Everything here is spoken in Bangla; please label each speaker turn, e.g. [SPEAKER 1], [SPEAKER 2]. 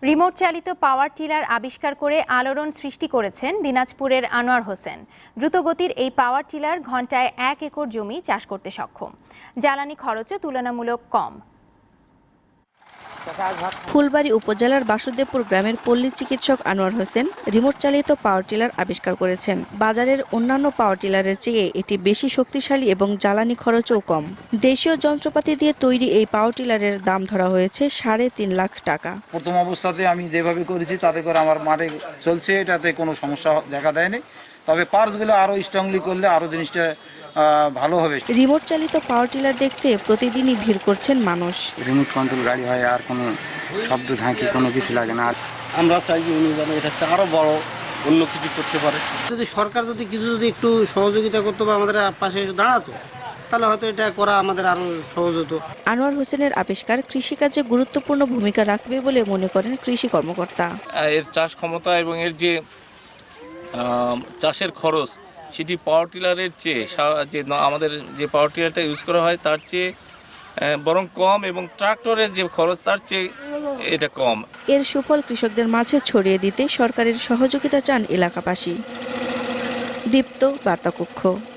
[SPEAKER 1] রিমোট চালিত পাওয়ার টিলার আবিষ্কার করে আলোড়ন সৃষ্টি করেছেন দিনাজপুরের আনোয়ার হোসেন। দ্রুতগতির এই পাওয়ার টিলার ঘন্টায় 1 একর জমি চাষ করতে সক্ষম। জ্বালানি খরচও তুলনামূলক কম।
[SPEAKER 2] ফুলবাড়ী উপজেলার বাসুদেবপুর গ্রামের পল্লী চিকিৎসক আনোয়ার হোসেন রিমোট চালিত পাওয়ার টিলার আবিষ্কার করেছেন। বাজারের অন্যান্য পাওয়ার টিলারের চেয়ে এটি বেশি শক্তিশালী এবং জ্বালানি খরচও কম। দেশীয় যন্ত্রপাতি দিয়ে তৈরি এই পাওয়ার টিলারের দাম ধরা হয়েছে 3.5 লাখ টাকা।
[SPEAKER 3] প্রথম অবস্থাতে আমি যেভাবে করেছি তাতে করে আমার মাঠে চলছে, এটাতে কোনো সমস্যা দেখা দেয়নি। তবে পার্টসগুলো আরো স্ট্রংলি করলে আরো জিনিসটা ভালো হবে।
[SPEAKER 2] রিমোট চালিত পাওয়ার টিলার দেখতে প্রতিদিনই ভিড় করছেন মানুষ।
[SPEAKER 4] রিমোট কন্ট্রোল গাড়ি হয়, আর কোনো শব্দ ঝাঁকি কোনো কিছু লাগে না।
[SPEAKER 5] আমরা চাই যে উনি যেন এটা আরো বড় অন্য কিছু করতে পারে।
[SPEAKER 6] যদি সরকার যদি একটু সহযোগিতা করতো বা আমাদের পাশে দাঁড়াতো, তাহলে হয়তো এটা করা আমাদের আরো সহজ হতো।
[SPEAKER 2] আনোয়ার হোসেনের আবিষ্কার কৃষিকাজে গুরুত্বপূর্ণ ভূমিকা রাখবে বলে মনে করেন কৃষি কর্মকর্তা।
[SPEAKER 7] এর চাষ ক্ষমতা এবং এর যে চাষের খরচ সেটি পাওয়ার টিলারের চেয়ে যে আমাদের যে পাওয়ার টিলারটা ইউজ করা হয় তার চেয়ে বরং কম, এবং ট্রাক্টরের যে খরচ তার চেয়ে এটা কম।
[SPEAKER 2] এর সুফল কৃষকদের মাঝে ছড়িয়ে দিতে সরকারের সহযোগিতা চান এলাকাবাসী। দীপ্ত বার্তা কক্ষ।